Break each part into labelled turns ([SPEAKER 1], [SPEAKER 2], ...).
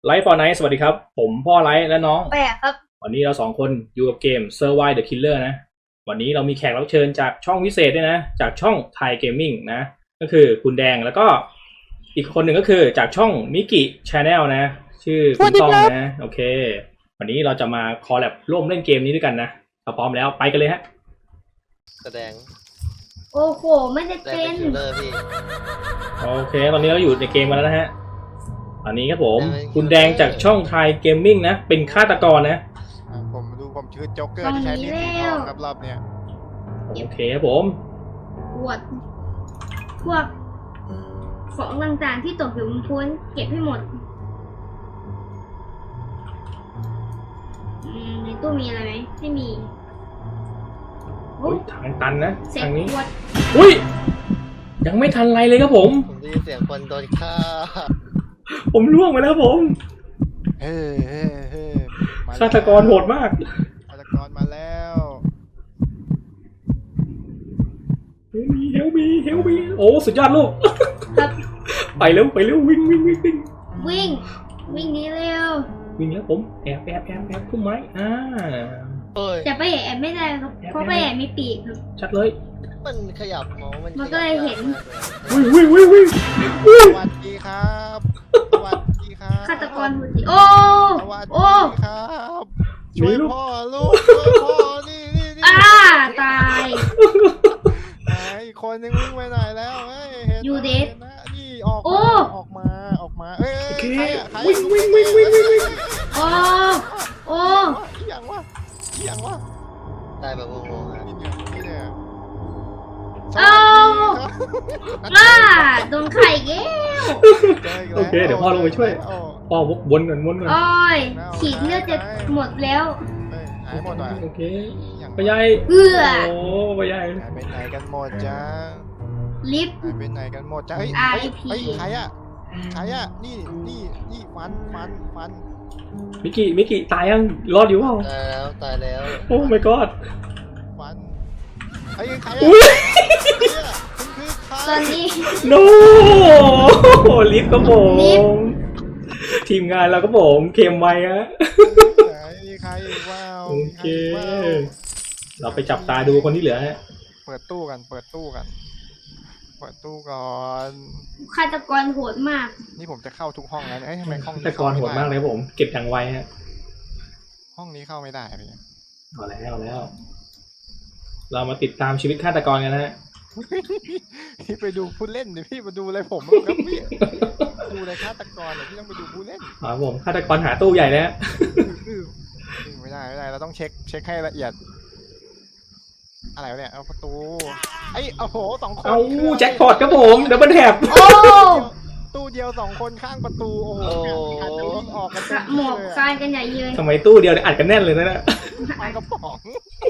[SPEAKER 1] ไลฟ์ฟอร์ไนท์สวัสดีครับผมพ่อไลฟ์และน้อง
[SPEAKER 2] แปลกครับ
[SPEAKER 1] วันนี้เราสองคนอยู่กับเกม Survive the Killer นะวันนี้เรามีแขกรับเชิญจากช่องพิเศษด้วยนะจากช่องไทยเกมมิ่งนะก็คือคุณแดงแล้วก็อีกคนหนึ่งก็คือจากช่องมิกิชาแนลนะชื่อคุณต้องนะโอเควันนี้เราจะมาคอลแลบร่วมเล่นเกมนี้ด้วยกันนะถ้าพร้อมแล้วไปกันเลยฮะ
[SPEAKER 3] แสดง
[SPEAKER 2] โอ้โหไม่ได้
[SPEAKER 3] แสด
[SPEAKER 2] เป็
[SPEAKER 3] ง
[SPEAKER 2] น
[SPEAKER 3] เป็นคิลเลอร์พี่
[SPEAKER 1] โอเคตอนนี้เราอยู่ในเกมมาแล้วนะฮะตอนนี้ครับผมคุณแดงจากช่องไทยเกมมิ่งนะเป็นฆาตกรนะ
[SPEAKER 4] ผมชื่อโจ๊กเกอร์ที่ใช้มีดสีทองครับรอบเนี้ย
[SPEAKER 1] โอเคครับผม
[SPEAKER 2] ปวดพวกของต่างๆที่ตกอยู่บนพื้นเก็บให้หมดในตู้มีอะไรไหมไม่มี
[SPEAKER 1] อุ้ยทางตันนะทางนี้
[SPEAKER 2] ปวด
[SPEAKER 1] อุ้ยยังไม่ทันไรเลยครับผม
[SPEAKER 3] ได้ยินเสียงคนโดนฆ่า
[SPEAKER 1] ผมล่วงไปแล้วครับผมฆาตกรโหดมาก
[SPEAKER 4] ฆาตกรมาแล้ว
[SPEAKER 1] เฮลมีโอ้สุดยอดลูกไปเร็ววิ่ง
[SPEAKER 2] วิ่งนี้เร็ว
[SPEAKER 1] วิ่งแล้วผมแอบพุ่มไม้
[SPEAKER 2] แต่ไปแอบไม่ได้ครับเพราะไปแอบมีปีกครับ
[SPEAKER 1] ชัดเลย
[SPEAKER 3] มันขยับ
[SPEAKER 2] มันก็เลยเห็น
[SPEAKER 1] วิ่ง
[SPEAKER 4] สวัสดีครับ
[SPEAKER 2] ฆาตกรหุ่นดีโอ้
[SPEAKER 4] ครับช่วยพ่อลูกช่วยพ่อนี่
[SPEAKER 2] ตาย
[SPEAKER 4] อีกคนนึงวิ่งไปไหนแล้ว
[SPEAKER 2] ยูเดส
[SPEAKER 4] นี่ออกมา
[SPEAKER 1] วิ่ง
[SPEAKER 2] โอ้
[SPEAKER 4] อย่างวะ
[SPEAKER 3] ตายแบบงงๆ
[SPEAKER 4] นี่เนี่ย
[SPEAKER 2] โดนไข่แก้ว
[SPEAKER 1] โอเคเดี๋ยวพ่อลงไปช่วยพ่อวกวนกัน
[SPEAKER 2] โอ้ยฉีดเลือดจะหมดแล้ว
[SPEAKER 4] หายหมดอ่ะ
[SPEAKER 1] โอเคไปใหญ่โอ้ไปใหญ่
[SPEAKER 4] ไปไหนกันหมดจ้า
[SPEAKER 2] ลิฟต์
[SPEAKER 4] ไปไหนกันหมดจ้าใครอ่ะนี่ฟัน
[SPEAKER 1] มิกิตายยังรอดอยู่เปล่า
[SPEAKER 3] ตายแล้ว
[SPEAKER 1] โอ้ my god
[SPEAKER 4] ฟันใครอ่ะ
[SPEAKER 2] ตอนนี้
[SPEAKER 1] โนลิฟต์ก็ผมทีมงานเราก็ผมเค็มไว้ฮะ
[SPEAKER 4] ใครว้าว
[SPEAKER 1] โอเคเราไปจับตาดูคนที่เหลือฮะ
[SPEAKER 4] เปิดตู้ก่อน
[SPEAKER 2] ฆาตกรโหดมาก
[SPEAKER 4] นี่ผมจะเข้าทุกห้องแล้วทำไมห้อง
[SPEAKER 1] ฆาตกรโหดมากเลยผมเก็บอย่างไวฮะ
[SPEAKER 4] ห้องนี้เข้าไม่ได้พี่
[SPEAKER 1] เอาแล้วเรามาติดตามชีวิตฆาตกรกันนะฮะ
[SPEAKER 4] พี่ไปดูผู้เล่นดิพี่มาดูอะไรผมครับพี่ดูอะไรฆาตกรพี่ต้องไปดูผู้เล่น
[SPEAKER 1] ผมฆาตกรหาตู้ใหญ่แล้ว
[SPEAKER 4] ไม่ได้เราต้องเช็คให้ละเอียดอะไรเนี่ยเอาประตูโอ้โห2 คน
[SPEAKER 1] แจ็คพอตครับผมดับเบิลแท็บ
[SPEAKER 4] ตู้เดียว2 คนข้างประตูโอ้โหอาจจะวิ่งออกกัน
[SPEAKER 2] หมอบคานกันใหญ่เลย
[SPEAKER 1] ทำไมตู้เดียวอัดกันแน่นเลยนะ
[SPEAKER 4] กระป๋อง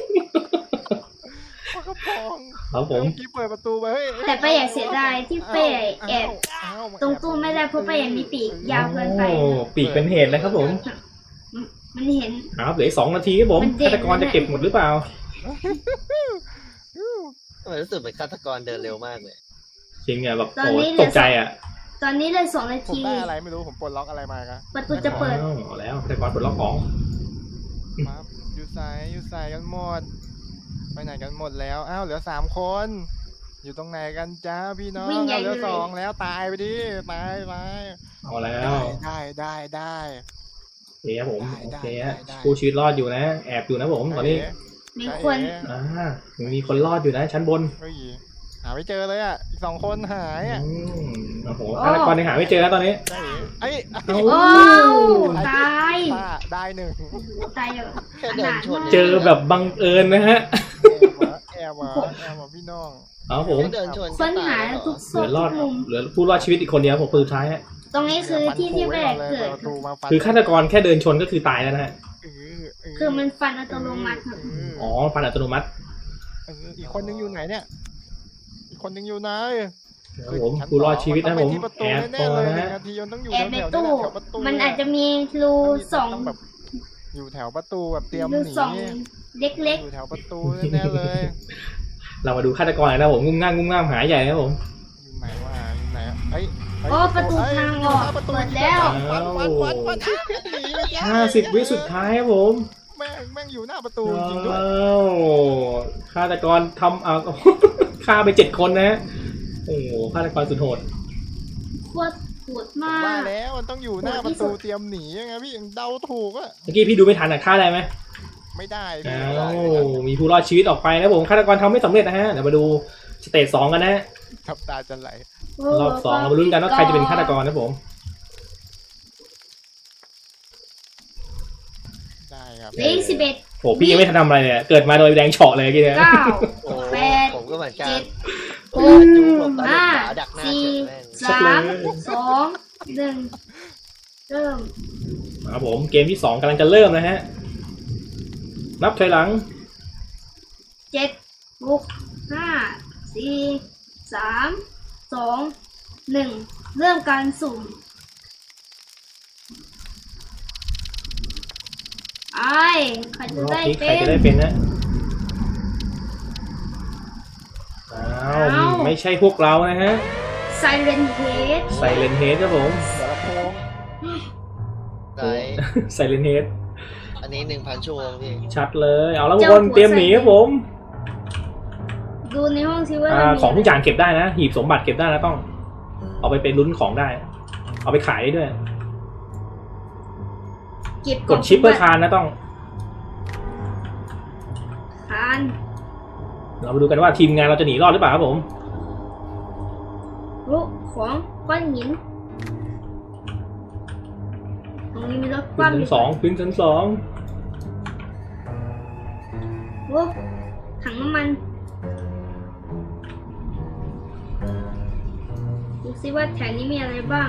[SPEAKER 1] ครับผม
[SPEAKER 4] กี้เปิดประตูไป
[SPEAKER 2] แต่ไปอยากเสียดายที่ไปแอบตรงตู้ไม่ได้เพราะไปยังมีปีกยาวเกินไป
[SPEAKER 1] ปีกเป็นเหตุนะครับผม
[SPEAKER 2] มันเห็น
[SPEAKER 1] ครับเหลือ2 นาทีครับผมฆาตกรจะเก็บหมดหรือเปล่า
[SPEAKER 3] ทำไมรู้สึกเป็นฆาตกรเดินเร็วมากเลย
[SPEAKER 1] จริงอะแบบโอ้ตกใจอะ
[SPEAKER 2] ตอนนี้เลย2 นาที
[SPEAKER 4] ผมได้อะไรไม่รู้ผมปลดล็อกอะไรมาครับ
[SPEAKER 2] ประตูจะเปิด
[SPEAKER 1] แล้วฆาตกรปลดล็อกของ
[SPEAKER 4] อยู่ใส่กันหมดไปไหนกันหมดแล้วเหลือ3 คนอยู่ตรงไหนกันจ้าพี่น้องเหลือ2แล้วตายไปดิไป
[SPEAKER 1] เอาแล้ว
[SPEAKER 4] ได้
[SPEAKER 1] โอเคครับผมโอเคฮะผู้ชีวิตรอดอยู่นะแอบอยู่นะผมตอนนี้
[SPEAKER 2] มีคน
[SPEAKER 1] มีคนรอดอยู่นะชั้นบน
[SPEAKER 4] หาไม่เจอเลยอีก2 คนหาย
[SPEAKER 1] โอ้โหฆาตกรยังหาไม่เจอแล้วตอนนี้
[SPEAKER 2] ตาย
[SPEAKER 4] ได้
[SPEAKER 2] 1ตาย
[SPEAKER 1] เจอแบบบังเอิญนะฮะ
[SPEAKER 4] แอบพี่น้อง
[SPEAKER 1] ผม
[SPEAKER 2] ค้นหาทุกซอกทุกมุม
[SPEAKER 1] เหลือผู้รอดชีวิตอีกคนเดียวผมคนสุดท้ายฮะ
[SPEAKER 2] ตรงนี้คือที่แรกเกิด
[SPEAKER 1] คือฆาตกรแค่เดินชนก็คือตายแล้วนะฮะ
[SPEAKER 2] คือมันฟันอัตโนมัติ
[SPEAKER 1] ฟันอัตโนมัติ
[SPEAKER 4] อีกคนนึงอยู่ไหนเนี่ยอีกคนนึงอยู่ไหน
[SPEAKER 1] ผมผู้รอดชีวิตนะผม
[SPEAKER 4] แอบ
[SPEAKER 1] ตัวนะ
[SPEAKER 2] แอบในตู้มันอาจจะมีรู2
[SPEAKER 4] แบบอยู่แถวประตูแบบเตรียมหนี
[SPEAKER 2] เล็ก
[SPEAKER 4] อยู่แถวประตูแน่เลย
[SPEAKER 1] เรามาดูฆาตกรนะผมงุ่มง่ามหาใหญ่นะผม
[SPEAKER 4] อยู่ไหน
[SPEAKER 2] โอ้ประตูทางออก
[SPEAKER 4] ประตู
[SPEAKER 2] หมดแล้ว
[SPEAKER 4] ฟันหนีไม่ได้
[SPEAKER 1] 50 วิสุดท้ายครับผม
[SPEAKER 4] แม่งอยู่หน้าประตูจริงด้วย
[SPEAKER 1] ว้าวฆาตกรทำเอา ฆ่าไป7 คนนะฮะโอ้โหฆาตกรสุดโหด
[SPEAKER 2] โคตรโหด
[SPEAKER 4] ผม
[SPEAKER 2] มา
[SPEAKER 4] ว่าก แล้วมันต้องอยู่หน้าประตูเตรียมหนียังไงพี่ยังเดาถูกอะ
[SPEAKER 1] เมื่อกี้พี่ดูไม่ทันอ่ะฆ่าได้ไหม
[SPEAKER 4] ไม่ได้พี่
[SPEAKER 1] อ้า
[SPEAKER 4] ไม่ได้
[SPEAKER 1] วมีผู้รอดชีวิตออกไปนะผมฆาตกรทำไม่สำเร็จนะฮะเดี๋ยวมาดูสเตจ2กันนะฮะ
[SPEAKER 4] ทับตาจะไหล
[SPEAKER 1] รอบ2เรามาลุ้นกันว่าใครจะเป็นฆาตกรนะผม
[SPEAKER 4] ได้ครับ
[SPEAKER 2] เลข11
[SPEAKER 1] โอ้พี่ยังไม่ทันทำอะไรเลยเกิดมาโดยแดงเฉาะเลยเมื่อกี้เนี่ย
[SPEAKER 2] 9
[SPEAKER 3] โอ้
[SPEAKER 2] แปด
[SPEAKER 3] ผมก็เหมือนกัน
[SPEAKER 2] เจ็ด
[SPEAKER 3] โอ้ยจุ๊บหลบตาหลบ
[SPEAKER 2] ห้า
[SPEAKER 3] ขวาดักหน้า
[SPEAKER 2] สี่
[SPEAKER 3] เฉยแม่ง
[SPEAKER 2] 3 2 1 เริ่ม
[SPEAKER 1] ครับผมเกมที่2กำลังจะเริ่มนะฮะนับถอยหลัง
[SPEAKER 2] 7 6 5 4 3 2 1 เริ่มการสุ่มไอ้ใครจะ
[SPEAKER 1] รอบ
[SPEAKER 2] ได้
[SPEAKER 1] นี้ใค
[SPEAKER 2] เป็
[SPEAKER 1] รจะ
[SPEAKER 2] น
[SPEAKER 1] ได้เป็นนะอ้าว
[SPEAKER 2] อ้าว
[SPEAKER 1] ไม่ใช่พวกเรานะฮะ
[SPEAKER 2] Silent Head
[SPEAKER 1] ไซเลนเฮดครับผม
[SPEAKER 4] เดี๋ยวละโพง
[SPEAKER 3] ไหน
[SPEAKER 1] ไซเลนเฮด
[SPEAKER 3] อันนี้ 1,000 ชั่วโมงพี่
[SPEAKER 1] ชัดเลยเอาแล้วทุกคนเตรียมหนีครับผม
[SPEAKER 2] ดูในห้องซิว่า
[SPEAKER 1] ของทุกอย่างเก็บได้นะหีบสมบัติเก็บได้นะต้อง เอาไปเป็นลุ้นของได้ เอาไปขายได้ด้วย
[SPEAKER 2] เก็บ
[SPEAKER 1] กดชิปเพื่อคานนะต้อง
[SPEAKER 2] คาน
[SPEAKER 1] เรามาดูกันว่าทีมงานเราจะหนีรอดหรือเปล่าครับผม
[SPEAKER 2] ลุของก้อนหินตรงนี้มีรถค
[SPEAKER 1] ขึ้น
[SPEAKER 2] ว่ำ
[SPEAKER 1] ชั้
[SPEAKER 2] อน ยู่
[SPEAKER 1] 2ขึ้นชั้น
[SPEAKER 2] โอ้ถังน้ำมันดูซิว่าแถวนี้มีอะไรบ้าง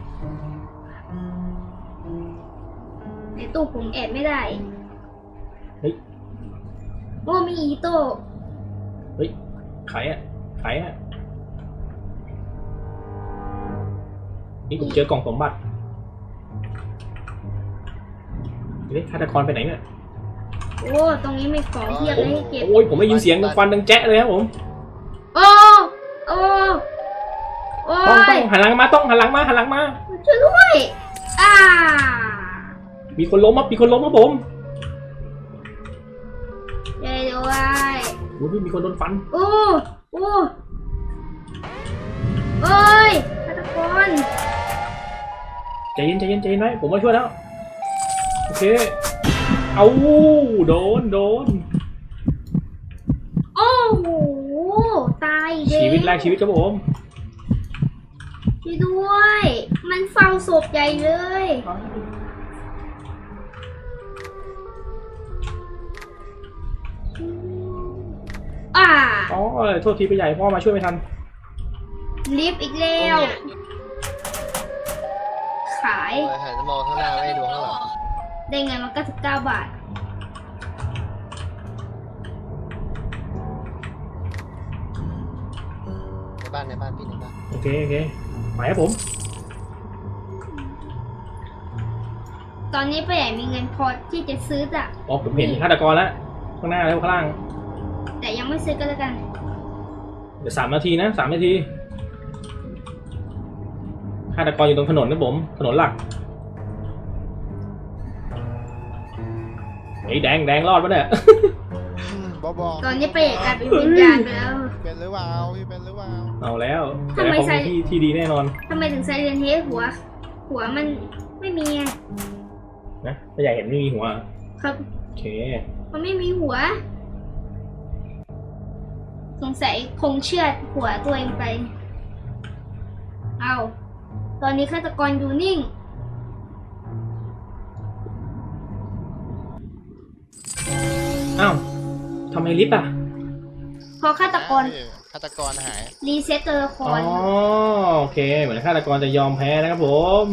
[SPEAKER 2] ในตู้ผมแอบไม่ได้
[SPEAKER 1] เฮ้ย
[SPEAKER 2] โอ้มีอีโต้
[SPEAKER 1] เฮ้ยขายอ่ะขายอ่ะนี่ผมเจอกล่องสมบัติเฮ้ยฆาตกรไปไหนเนี่ย
[SPEAKER 2] โอ้ตรงนี้มีของเทียบเลยให้เก็บ
[SPEAKER 1] โอ้ยผมได้ยินเสียงฟันดังแจ๊ะเลยครับผม
[SPEAKER 2] โอ้โอ้โอ้
[SPEAKER 1] ต้องหันหลังมาต้องหันหลังมาหันหลังมา
[SPEAKER 2] ช่วยด้วยอ่า
[SPEAKER 1] มีคนล้มครับมีคนล้มครับผม
[SPEAKER 2] ช่วยด้วย
[SPEAKER 1] โอ้ยมีคนโดนฟัน
[SPEAKER 2] โอ้โอ้โอ้ยฆาตกร
[SPEAKER 1] ใจเย็นใจเย็นใจเย็นไว้ผมมาช่วยแล้วโอเคเอาโดน
[SPEAKER 2] โอ้โหตายเด็
[SPEAKER 1] ชีวิตแรกชีวิตครับผม
[SPEAKER 2] ช่วยด้วย มันเฝ้าศพใหญ่เลยอ่า
[SPEAKER 1] อ๋อโทษทีไปใหญ่พ่อมาช่วยไม่ทัน
[SPEAKER 2] ลิฟต์อีกแล้ว ขาย
[SPEAKER 3] โอ้ยหันมองข้างหน้าไม่ดูข้างหลัง
[SPEAKER 2] ได้ไงมัน99 บาท
[SPEAKER 3] ในบ้านพี่ในบ้าน
[SPEAKER 1] โอเคโอเคไปครับผม
[SPEAKER 2] ตอนนี้ป้าใหญ่มีเงินพอที่จะซื้อจ้ะ
[SPEAKER 1] อ๋อผมเห็นฆาตกรแล้วข้างหน้าแล้วข้างล่าง
[SPEAKER 2] แต่ยังไม่ซื้อก็แล้วกัน
[SPEAKER 1] เดี๋ยว3 นาทีนะ3 นาทีฆาตกรอยู่ตรงถนนนะผมถนนหลักไอ้แดงรอดปะเนี่ย
[SPEAKER 4] บอก
[SPEAKER 2] ตอนนี้ป้าใหญ่กลายเป็นวิญญาณไปแล้ว
[SPEAKER 4] เป็นหรือเปล่าพี่เป็นหรือเปล่า
[SPEAKER 1] เอาแล้ว
[SPEAKER 2] ทำไม
[SPEAKER 1] แต่
[SPEAKER 2] ใส่
[SPEAKER 1] ของที่ดีแน่นอน
[SPEAKER 2] ทำไมถึงไซเรนเฮดหัวมันไม่มีอะ
[SPEAKER 1] นะถ้าอยากเห็นไม่มีหัว
[SPEAKER 2] ครับ
[SPEAKER 1] โอเค
[SPEAKER 2] มันไม่มีหัว สงสัยคงเชือดหัวตัวเองไป เอาตอนนี้ฆาตกรอยู่นิ่ง
[SPEAKER 1] อ้าวทำไมลิฟต์อ่ะ
[SPEAKER 2] พอฆาตกร
[SPEAKER 4] ฆาตกรหาย
[SPEAKER 2] รีเซ็ตตัวละค
[SPEAKER 1] อ๋อ
[SPEAKER 2] ร
[SPEAKER 1] โอเคเหมือนฆาตกรจะยอมแพ้นะครับผม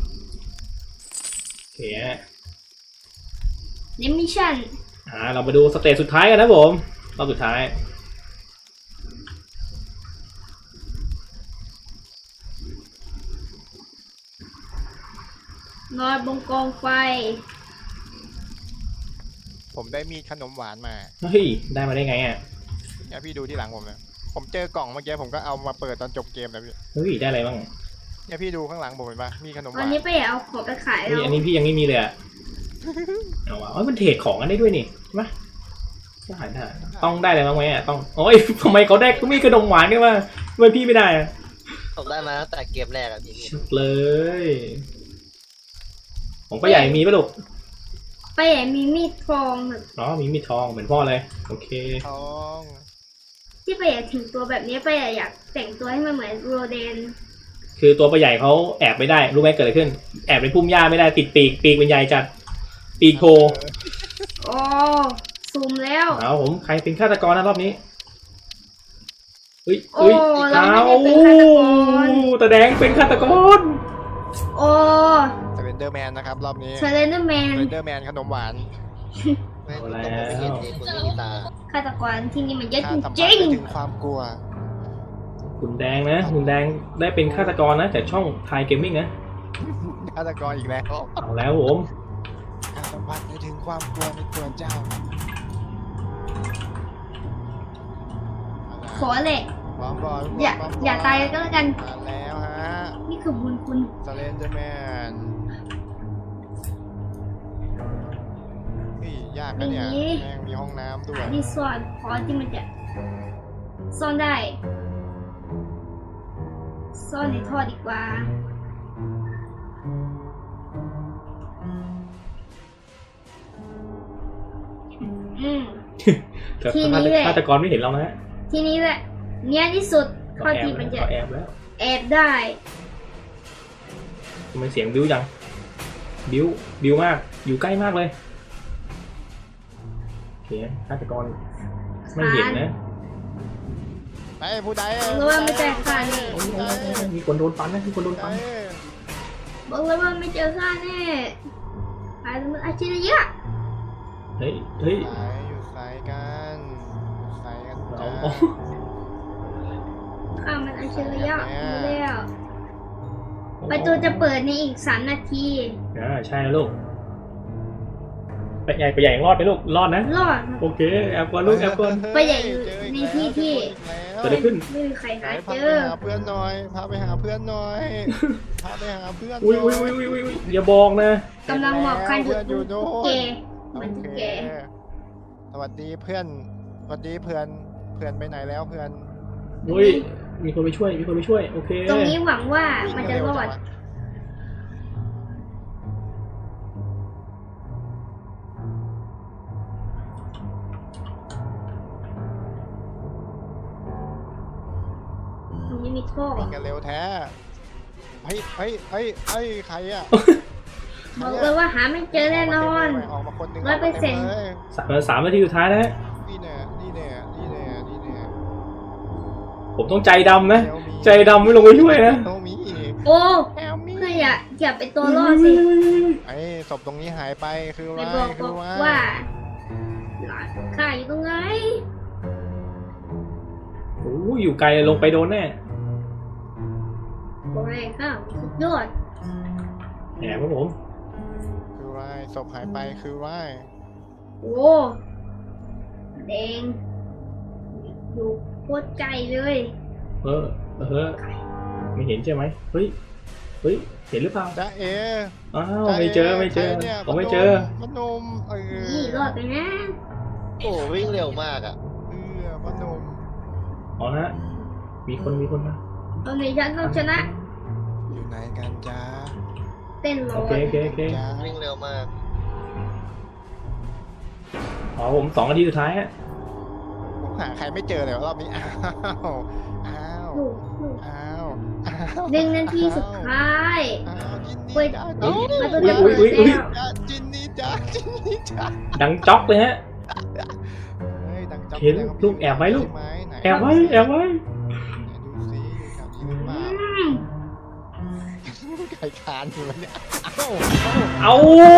[SPEAKER 1] โอเคฮะ
[SPEAKER 2] นิมิชั่น
[SPEAKER 1] เรามาดูสเตจสุดท้ายกันนะผมรอบสุดท้าย
[SPEAKER 2] นอนบนกองไฟ
[SPEAKER 4] ผมได้มีขนมหวานมา
[SPEAKER 1] เฮ้ยได้มาได้ไงอ่ะ
[SPEAKER 4] เนี่ยพี่ดูที่หลังผมนะผมเจอกล่องเมื่อกี้ผมก็เอามาเปิดตอนจบเกมนะพี่
[SPEAKER 1] เฮ้ยได้อะไรบ้าง
[SPEAKER 4] เนี่ยพี่ดูข้างหลังผมเห็นปะมีขนมห
[SPEAKER 2] วั
[SPEAKER 4] วาน น
[SPEAKER 2] นี้ไปเอาของไปขาย
[SPEAKER 1] เฮ้ย
[SPEAKER 2] แล้ว
[SPEAKER 1] อันนี้พี่ยังไม่มีเลยอะเอาวะมันเทรดของกันได้ด้วยนี่ใช่ไหมได้ต้องได้อะไรบ้างไหมอะต้องโอ้ยทำไมเขาได้ก็มีขนมหวานกันมาทำไมพี่ไม่ได้อะ
[SPEAKER 3] ผมได้มาตั้งแต่เกมแรกอะพี่
[SPEAKER 1] ชุดเลยของป้าใหญ่มีปะลูก
[SPEAKER 2] ไปไหนมีมีดทองแบบ
[SPEAKER 1] อ๋อมีมีดทองเหมือนพ่อเลยโอเค
[SPEAKER 4] ทอง
[SPEAKER 2] ที่ไปอยากถึงตัวแบบนี้ไปอยากแต่งตัวให้มันเหมือนโรเดน
[SPEAKER 1] คือตัวป้าใหญ่เขาแอบไม่ได้รู้ไหมเกิดอะไรขึ้น แอบในพุ่มหญ้าไม่ได้ติดปีกเป็นใหญ่จัดปีกโผล่
[SPEAKER 2] โอ้ซูมแล้ว
[SPEAKER 1] เอาผมใครเป็นฆาตกรนะรอบนี้เฮ้ย
[SPEAKER 2] โอ้
[SPEAKER 1] เฮ้ย
[SPEAKER 2] เรา
[SPEAKER 1] เอา
[SPEAKER 2] ไม่ได้เป็นฆาตกร
[SPEAKER 1] ตาแดงเป็นฆาตกร
[SPEAKER 2] โอ้
[SPEAKER 4] สเลนเดอร์แมนนะครับรอบนี้
[SPEAKER 2] เชลเลนเดอร์แม
[SPEAKER 4] ส
[SPEAKER 2] น
[SPEAKER 4] เลนเดอร์แมนขนมหวาน
[SPEAKER 3] ไม่ต้องผมไม่เห็นเองคุณไม่มีตา
[SPEAKER 2] ฆาตกรที่นี่มันเยอะ
[SPEAKER 4] ถ้า
[SPEAKER 2] จ
[SPEAKER 4] สัมผัส
[SPEAKER 2] ริง
[SPEAKER 4] ได้ถึงความกลัว
[SPEAKER 1] คุณแดงนะคุณแดงได้เป็นฆาตกรนะจากช่องไทยเกมมิ่งนะ
[SPEAKER 4] ฆาตกรอีกแล้ว
[SPEAKER 1] เอาแล้วผม
[SPEAKER 4] ถ้าสัมผัสได้ถึงความกลัวในตัวเจ้า
[SPEAKER 2] ๆขอเหล็ก
[SPEAKER 4] พร้อมก่อน
[SPEAKER 2] อย่าตายก็แล้วกัน
[SPEAKER 4] มาแล้วฮะ
[SPEAKER 2] นี่คือบุญคุณ
[SPEAKER 4] สเลนเดอร์แมนนี่ยากนะเนี่ยแม่งมีห้องน้ำด้วย
[SPEAKER 2] ที่ซ่อนพอที่มันจะซ่อนได้ ซ่อนในท่อดีกว่า อืม
[SPEAKER 1] แต่
[SPEAKER 2] ทีนี้แหละ
[SPEAKER 1] ฆาตกรไม่เห็นเรานะฮะ
[SPEAKER 2] ทีนี้แหละ เนี้ยที่สุดเท่า
[SPEAKER 1] แอบ
[SPEAKER 2] ที่มันจะ
[SPEAKER 1] เขาแอบแล้ว
[SPEAKER 2] แอบได้
[SPEAKER 1] ทำไมเสียงบิ้วจังบิ้วมากอยู่ใกล้มากเลยโอเคฆาตกรไม่เห็นนะ
[SPEAKER 4] ไอ้ผู้ใด
[SPEAKER 2] รู้ว่าไม่เจอข้าแน่
[SPEAKER 1] โอ้ยมีคนโดนฟันนะมีคนโดนฟัน
[SPEAKER 2] บอกเลยว่าไม่เจอข้าแน่หายมันอาชีพเยอะ
[SPEAKER 1] เฮ้ย
[SPEAKER 4] อยู่สายกันอยู่สายกัน
[SPEAKER 1] เอา
[SPEAKER 4] จ้า
[SPEAKER 2] ข้ามันอาชีพเยอะรู้แล้วประตูจะเปิดในอีก3 นาที
[SPEAKER 1] ใช่แล้วลูกไปใหญ่ยังรอดไปลูกรอดนะ
[SPEAKER 2] รอด
[SPEAKER 1] โอเคแอบก่อนลูกแอบก่อน
[SPEAKER 2] ไปใหญ่อยู่ในที่ที่
[SPEAKER 1] เกิดอะไรขึ้น
[SPEAKER 2] ไม่มีใครหา
[SPEAKER 4] พา
[SPEAKER 2] เจ
[SPEAKER 4] ไป
[SPEAKER 2] อ
[SPEAKER 4] หาเพื่อนหน่อยพาไปหาเพื่อนหน่อยพาไปหาเพื่อน
[SPEAKER 1] อุ้ยอย่าบอกนะ
[SPEAKER 2] กำลังหมอบคัน
[SPEAKER 4] เพื่อนอยู่โน่
[SPEAKER 2] เก
[SPEAKER 4] น
[SPEAKER 2] เหมือนตุ๊กแก
[SPEAKER 4] สวัสดีเพื่อนสวัสดีเพื่อนไปไหนแล้วเพื่อน
[SPEAKER 1] อุ้ยมีคนไปช่วยโอเค
[SPEAKER 2] ตรงนี้หวังว่ามันจะรอด ตรงนี้มีท่อ
[SPEAKER 4] วิ่งกันเร็วแท้เฮ้ยใครอ่ะ
[SPEAKER 2] บอกเลยว่าหาไม่เจอแน่นอน
[SPEAKER 4] ออกมาคนหนึ่ง
[SPEAKER 2] 100%
[SPEAKER 1] 3 นาทีสุดท้ายนะฮะ
[SPEAKER 4] นี่เนี่ย
[SPEAKER 1] ผมต้องใจดำนะใจดำไม่ลงไปช่วยนะ
[SPEAKER 4] โนมี
[SPEAKER 2] โอ้
[SPEAKER 4] แอลมี่
[SPEAKER 2] เพื่ออย่าเป็นตัวรอดสิ
[SPEAKER 4] ไอ้ศพตรงนี้หายไปคือ
[SPEAKER 2] ไม่
[SPEAKER 4] ว่า
[SPEAKER 2] บอกว่าหลานข้าอยู่ตรงไหน
[SPEAKER 1] โอ้ยอยู่ไกลลงไปโดนแน่
[SPEAKER 2] บอกเลยข้าสุดยอด
[SPEAKER 1] แอบครับผม
[SPEAKER 4] คือว่าศพหายไปคือว่า
[SPEAKER 2] โอ้แดงอยู่โคตรไกลเลย
[SPEAKER 1] เออไม่เห็นใช่ไหมเฮ้ยเห็นหรือเปล่า
[SPEAKER 4] จ้าเอ
[SPEAKER 1] อ้าวไม่เจอผมไม่เจอ
[SPEAKER 4] มันนม
[SPEAKER 2] นี่รอดไปนะ
[SPEAKER 3] โอ้วิ่งเร็วมากอ่ะ
[SPEAKER 4] มันนม
[SPEAKER 1] อ๋อฮะมีคนมา
[SPEAKER 2] ตอนนี้ฉันต้องชนะ
[SPEAKER 4] อยู่ไหนกันจ้า
[SPEAKER 2] เต้นรอ
[SPEAKER 1] โอเค
[SPEAKER 4] จ้า
[SPEAKER 3] วิ่งเร็วมาก
[SPEAKER 1] อ๋อผม2 นาทีสุดท้ายฮะ
[SPEAKER 4] ผมหาใครไม่เจอเลยวรอบนี้อ้าว
[SPEAKER 2] ลูก 1 นาทีสุดท้าย
[SPEAKER 4] จินนี่จ้า
[SPEAKER 2] ประตูจะเปิดแล้ว
[SPEAKER 4] จินนี่จ้า
[SPEAKER 1] ดังจ๊อกเลยฮะ
[SPEAKER 4] เฮ้ยดังจับ
[SPEAKER 1] เห็นลูกแอบไว้ลูก แอบไว้
[SPEAKER 4] ดูซิอยู่แถวนี้หรือเปล่า
[SPEAKER 2] อืม
[SPEAKER 4] ไก่คานอยู่เนี่ย
[SPEAKER 1] เอา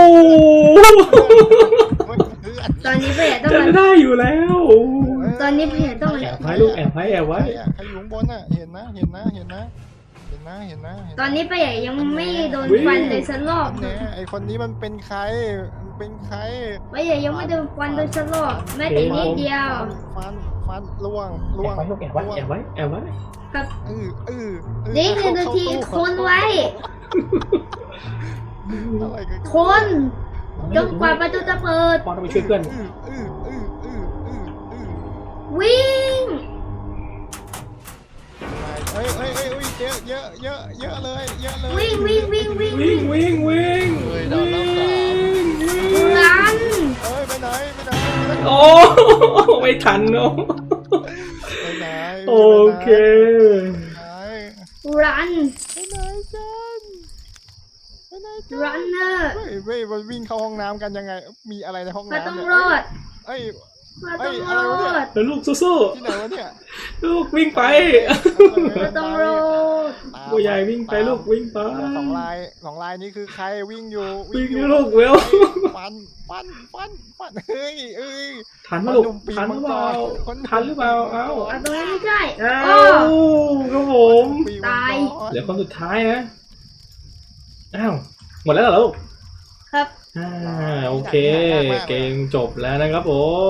[SPEAKER 2] ตอนนี้เพื่อนต้อง
[SPEAKER 1] จะ
[SPEAKER 2] มา
[SPEAKER 1] ได้อยู่แล้ว
[SPEAKER 2] ตอนนี้เพื่อนต้องมา
[SPEAKER 1] แอบไว้ลูกแอบไว้
[SPEAKER 4] ใครอยู่ข้างบนอ่ะ เห็นนะนะเห็นนะเห็ะ
[SPEAKER 2] ตอนนี้ป้าใหญ่ยังไม่โดนฟันเลยสักรอบ
[SPEAKER 4] แน่ไอคนนี้มันเป็นใครมันเป็นใคร
[SPEAKER 2] ป้าใหญ่ยังไม่โดนฟันเลยสักรอบแม้แต่นิดเดียว
[SPEAKER 4] ฟันล่วง
[SPEAKER 1] แอบไว้ลูกแอบไว้แอบไว้แอบไว้
[SPEAKER 2] ครับ
[SPEAKER 4] เ
[SPEAKER 2] นี่คือนาทีคนไว้
[SPEAKER 4] อะไรกัน
[SPEAKER 2] คนจนกว่าประตูจะเปิด
[SPEAKER 1] ปอนต้องไปช่วยเพื่อน
[SPEAKER 2] วิ่ง
[SPEAKER 4] เฮ้ยเยอะเลยเยอะเลย
[SPEAKER 2] วิ่งวิ่งวิ่งวิ่ง
[SPEAKER 1] วิ่งวิ่งวิ่ง
[SPEAKER 3] เฮ้ยโดนรอบสาม
[SPEAKER 2] รัน
[SPEAKER 4] เอ้ยไปไหน
[SPEAKER 1] โอ้ไม่ทันเนาะ
[SPEAKER 4] ไปไหน
[SPEAKER 1] โอเค
[SPEAKER 2] รัน
[SPEAKER 4] ไปไหนกันไปไหนกัน
[SPEAKER 2] รันเนอร์
[SPEAKER 4] เว้ยมันวิ่งเข้าห้องน้ำกันยังไง มีอะไรในห้อง
[SPEAKER 2] มา
[SPEAKER 4] น้ำ
[SPEAKER 2] ต้อง
[SPEAKER 4] เนี่ย
[SPEAKER 2] รอด
[SPEAKER 4] เอ้ย
[SPEAKER 2] มาต้องรอด
[SPEAKER 1] แล้วลูกสู้
[SPEAKER 4] ที่ไหนวะเนี่ย
[SPEAKER 1] ๆลูกวิ่งไป
[SPEAKER 2] มาต้องรอด
[SPEAKER 1] ผู้ใหญ่วิ่งไปลูกวิ่งไป
[SPEAKER 4] สองลายนี้คือใครวิ่งอยู่
[SPEAKER 1] วิ่งลูกเร็ว
[SPEAKER 4] ฟันเฮ้ย
[SPEAKER 1] ทันไหมลูกทันหรือเปล่าทันหรือเปล่าเอ้า
[SPEAKER 2] เอาตรงนี้ไม่ใช่
[SPEAKER 1] อ้า
[SPEAKER 2] โอ้
[SPEAKER 1] วครับผม
[SPEAKER 2] ตาย
[SPEAKER 1] เหลือคนสุดท้ายนะอ้าวหมดแล้วเหรอลูก
[SPEAKER 2] ครับ
[SPEAKER 1] โอเคเกมจบแล้วนะครับผม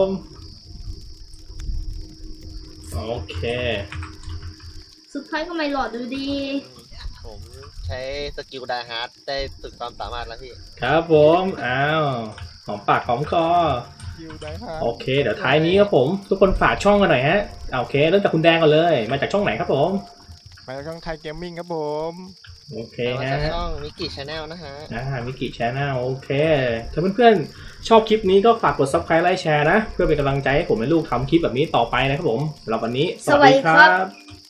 [SPEAKER 1] โอเค
[SPEAKER 2] สุดท้ายก็ไม่หลอดดูดี
[SPEAKER 3] ผมใช้สกิลไดฮาร์ดได้สุดความสามารถแล้วพี่
[SPEAKER 1] ครับผมอ้าวหอมปากหอมคอ
[SPEAKER 4] คิวได้ฮะ
[SPEAKER 1] โอเค เดี๋ยวท้ายนี้ครับผม ทุกคนฝากช่องกันหน่อยฮะโอเคเริ่มจากคุณแดงก่อนเลย มาจากช่องไหนครับผม
[SPEAKER 4] ไปช่องไทยเกมมิ่งครับผม
[SPEAKER 1] โอเค
[SPEAKER 3] มา
[SPEAKER 1] ฮะ
[SPEAKER 3] จากช่องมิกิชาแนลนะฮะ
[SPEAKER 1] มิกิแชนแนลโอเค ถ้าเพื่อนๆชอบคลิปนี้ก็ฝากกด subscribe ไลค์แชร์นะ เพื่อเป็นกำลังใจให้ผมและลูกทำคลิปแบบนี้ต่อไปนะครับผมสำหรับวันนี้ สวัสดีครับ